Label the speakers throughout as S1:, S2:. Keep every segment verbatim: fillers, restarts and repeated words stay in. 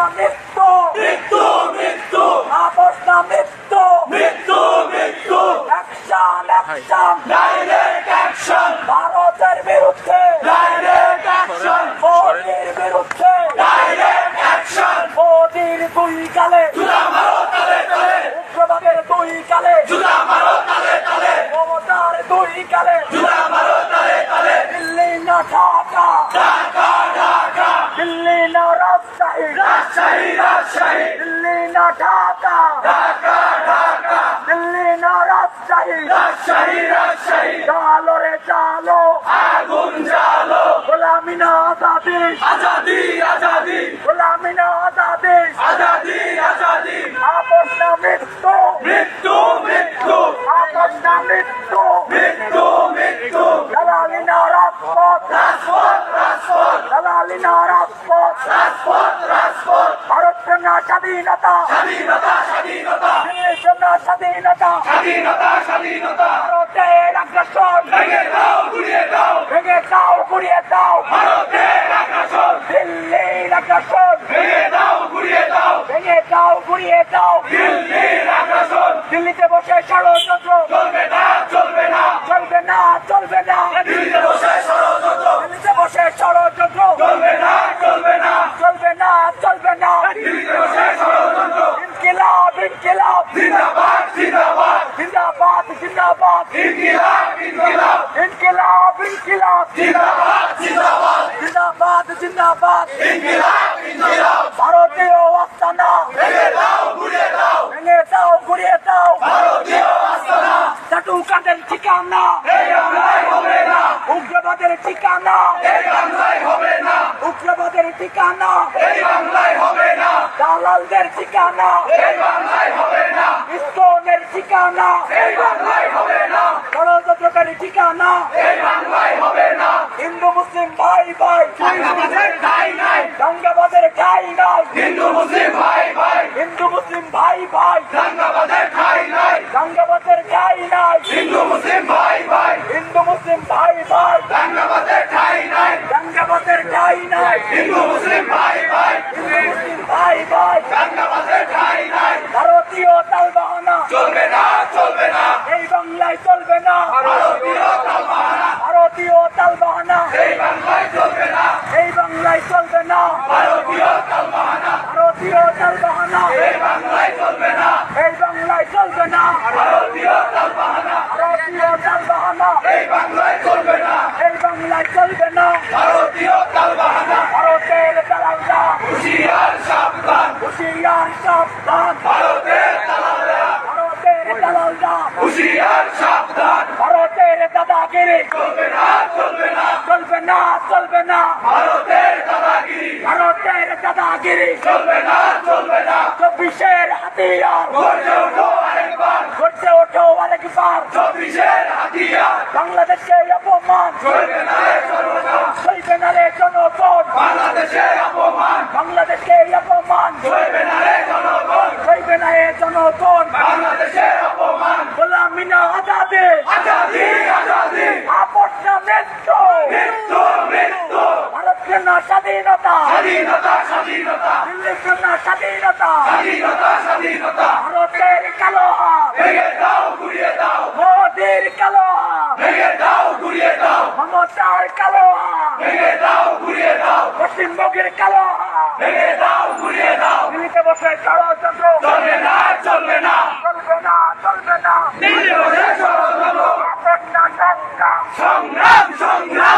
S1: মৃত্যু
S2: মৃত্যু মৃত্যু
S1: আপোষ না মৃত্যু
S2: মৃত্যু মৃত্যু
S1: অ্যাকশন অ্যাকশন
S2: ডাইরেক্ট অ্যাকশন
S1: ভারতের বিরুদ্ধে
S2: ডাইরেক্ট অ্যাকশন
S1: মোদির বিরুদ্ধে
S2: ডাইরেক্ট অ্যাকশন
S1: মোদির দুই গালে
S2: জুতা মারো তালে তালে
S1: উগ্রবাদের দুই গালে
S2: জুতা মারো তালে তালে
S1: মমতার দুই গালে
S2: জুতা মারো তালে তালে
S1: দিল্লি না ঢাকা
S2: ঢাকা ঢাকা
S1: দিল্লি না রাজশাহী
S2: রাজশাহী রাজশাহী
S1: দিল্লি না ঢাকা
S2: ঢাকা ঢাকা
S1: দিল্লি না রাজশাহী
S2: রাজশাহী রাজশাহী
S1: চালো রে চালো
S2: আগুন জ্বালো
S1: গোলামি না আজাদি
S2: আজাদি আজাদি
S1: গোলামি না আজাদি
S2: আজাদি আজাদি
S1: আপোষ না মৃত্যু
S2: মৃত্যু মৃত্যু
S1: আপোষ না মৃত্যু
S2: মৃত্যু মৃত্যু
S1: দালালি না রাজপথ
S2: রাজপথ রাজপথ
S1: দালালি না রাজপথ
S2: রাজপথ রাজপথ
S1: ভারতের না স্বাধীনতা
S2: স্বাধীনতা স্বাধীনতা
S1: দেশের না স্বাধীনতা
S2: স্বাধীনতা স্বাধীনতা
S1: ভারতের আগ্রাসন
S2: ভেঙে দাও গুড়িয়ে দাও
S1: ভেঙে দাও গুড়িয়ে দাও
S2: ভারতের আগ্রাসন
S1: দিল্লির আগ্রাসন
S2: ভেঙে দাও গুড়িয়ে দাও
S1: ভেঙে দাও গুড়িয়ে দাও
S2: দিল্লির আগ্রাসন
S1: দিল্লিতে বসে ষড়যন্ত্র
S2: চলবে না চলবে না
S1: চলবে না চলবে না
S2: দিল্লিতে বসে ষড়যন্ত্র
S1: দিল্লিতে বসে ষড়যন্ত্র
S2: চলবে না চলবে না
S1: চলবে না চলবে না
S2: দিল্লিতে বসে ষড়যন্ত্র
S1: ইনকিলাব ইনকিলাব
S2: জিন্দাবাদ জিন্দাবাদ
S1: জিন্দাবাদ জিন্দাবাদ
S2: ইনকিলাব ইনকিলাব
S1: ইনকিলাব ইনকিলাব
S2: জিন্দাবাদ জিন্দাবাদ
S1: জিন্দাবাদ জিন্দাবাদ
S2: ইনকিলাব ইনকিলাব
S1: ভারতীয় আস্তানা
S2: ভেঙে দাও গুড়িয়ে দাও
S1: ভেঙে দাও গুড়িয়ে দাও
S2: ভারতীয় আস্তানা
S1: চাটুকাদের ঠিকানা
S2: এই বাংলায় হবে না
S1: উগ্রবাদের ঠিকানা
S2: এই বাংলায় হবে না
S1: উগ্রবাদের ঠিকানা
S2: এই বাংলায় হবে না
S1: দালালদের ঠিকানা
S2: এই বাংলায় হবে না
S1: ইস্তনের ঠিকানা
S2: এই বাংলায় হবে না
S1: ষড়যন্ত্রকারী ঠিকানা
S2: এই বাংলায় হবে না
S1: হিন্দু মুসলিম ভাই ভাই
S2: আমাদের ঠাই নাই
S1: দাঙ্গাবাদের ঠাই নাই
S2: হিন্দু মুসলিম ভাই ভাই
S1: হিন্দু মুসলিম ভাই ভাই
S2: দাঙ্গাবাদের ঠাই নাই
S1: দাঙ্গাবাদের ঠাই নাই
S2: হিন্দু মুসলিম ভাই ভাই
S1: হিন্দু মুসলিম ভাই ভাই
S2: দাঙ্গাবাদের ঠাই নাই
S1: দাঙ্গাবাদের ঠাই নাই
S2: হিন্দু মুসলিম ভাই ভাই
S1: হিন্দু মুসলিম ভাই ভাই
S2: দাঙ্গাবাদের ঠাই নাই
S1: ভারতীয় তালবাহানা
S2: চলবে না চলবে না
S1: এই বাংলায় চলবে না
S2: ভারতীয় তালবাহানা
S1: ভারতীয় তালবাহানা
S2: এই বাংলায় চলবে না
S1: এই বাংলায় চলবে না
S2: ভারতীয় তালবাহানা
S1: ভারতীয় তালবাহানা
S2: এই বাংলায় চলবে না
S1: এই বাংলায় চলবে না
S2: ভারতীয় তালবাহানা
S1: ভারতীয় তালবাহানা
S2: এই বাংলায় চলবে না
S1: এই বাংলায় চলবে না
S2: ভারতীয় তালবাহানা
S1: ভারতের দালালরা
S2: হুঁশিয়ার সাবধান
S1: হুঁশিয়ার সাবধান
S2: ভারতের দালালরা
S1: ভারতের দালালরা
S2: হুঁশিয়ার সাবধান
S1: ভারতের দাদাগিরি
S2: চলবে না চলবে না
S1: চলবে না চলবে না
S2: ভারতের দাদাগিরি
S1: ভারতের দাদাগিরি
S2: চলবে না চলবে না
S1: চব্বিশের হাতিয়ার
S2: গর্জে ওঠো আরেকবার
S1: গড়ছে ওঠো আরেকবার
S2: চব্বিশের হাতিয়ার
S1: বাংলাদেশে অপমান
S2: চলবে না রে জনগণ
S1: চলবে না রে জনগণ
S2: বাংলাদেশে অপমান
S1: বাংলাদেশে অপমান
S2: চলবে না রে জনগণ
S1: চলবে না রে জনগণ
S2: বাংলাদেশে অপমান
S1: গোলামি না আজাদি
S2: আজাদি আজাদি
S1: আপোষ না মৃত্যু
S2: মৃত্যু মৃত্যু
S1: ভারতের না স্বাধীনতা
S2: স্বাধীনতা স্বাধীনতা
S1: দিল্লির না স্বাধীনতা
S2: স্বাধীনতা স্বাধীনতা
S1: ভারতের কালো হাত
S2: ভেঙে দাও গুড়িয়ে দাও
S1: মোদির কালো হাত
S2: ভেঙে দাও গুড়িয়ে দাও
S1: মমতার কালো হাত
S2: ভেঙে দাও গুড়িয়ে দাও
S1: পশ্চিমবঙ্গের কালো হাত
S2: ভেঙে দাও গুড়িয়ে দাও
S1: দিল্লিতে বসে ষড়যন্ত্র
S2: চলবে না চলবে না
S1: চলবে না চলবে না
S2: দিল্লি বসে ষড়যন্ত্র
S1: আপোষ না সংগ্রাম
S2: সংগ্রাম সংগ্রাম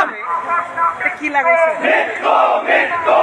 S1: কি লাগাইছে
S2: মৃত্যু মৃত্যু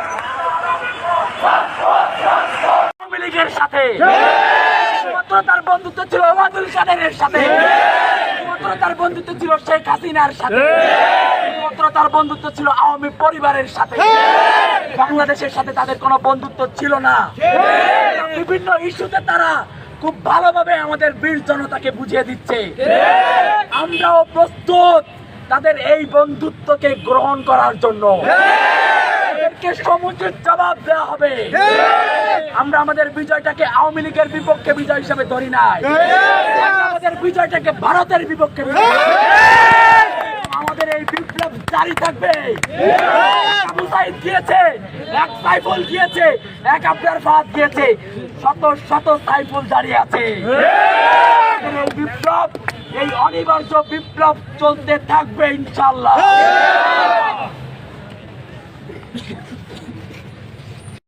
S1: আওয়ামী লীগের সাথে শুধুমাত্র তার বন্ধুত্ব ছিল ওবায়দুল কাদেরের সাথে শুধুমাত্র তার বন্ধুত্ব ছিল শেখ হাসিনার সাথে শুধুমাত্র তার বন্ধুত্ব ছিল আওয়ামী পরিবারের সাথে বাংলাদেশের সাথে তাদের কোনো বন্ধুত্ব ছিল না বিভিন্ন ইস্যুতে তারা খুব ভালোভাবে আমাদের বীর জনতাকে বুঝিয়ে দিচ্ছে আমরাও প্রস্তুত তাদের এই বন্ধুত্বকে গ্রহণ করার জন্য এদেরকে সমুচিত জবাব দেওয়া হবে আমরা আমাদের বিজয়টাকে আওয়ামী লীগের বিপক্ষে বিজয় হিসেবে ধরি নাই আমাদের বিজয়টাকে ভারতের বিপক্ষে আমাদের এই বিপ্লব জারি থাকবে। আবু সাইদ গিয়েছে, এক সাইফুল গিয়েছে, এক আব্দুল ফাহাদ গিয়েছে, শত শত সাইফুল জারি আছে। এই বিপ্লব, এই অনিবার্য বিপ্লব চলতে থাকবে ইনশাআল্লাহ।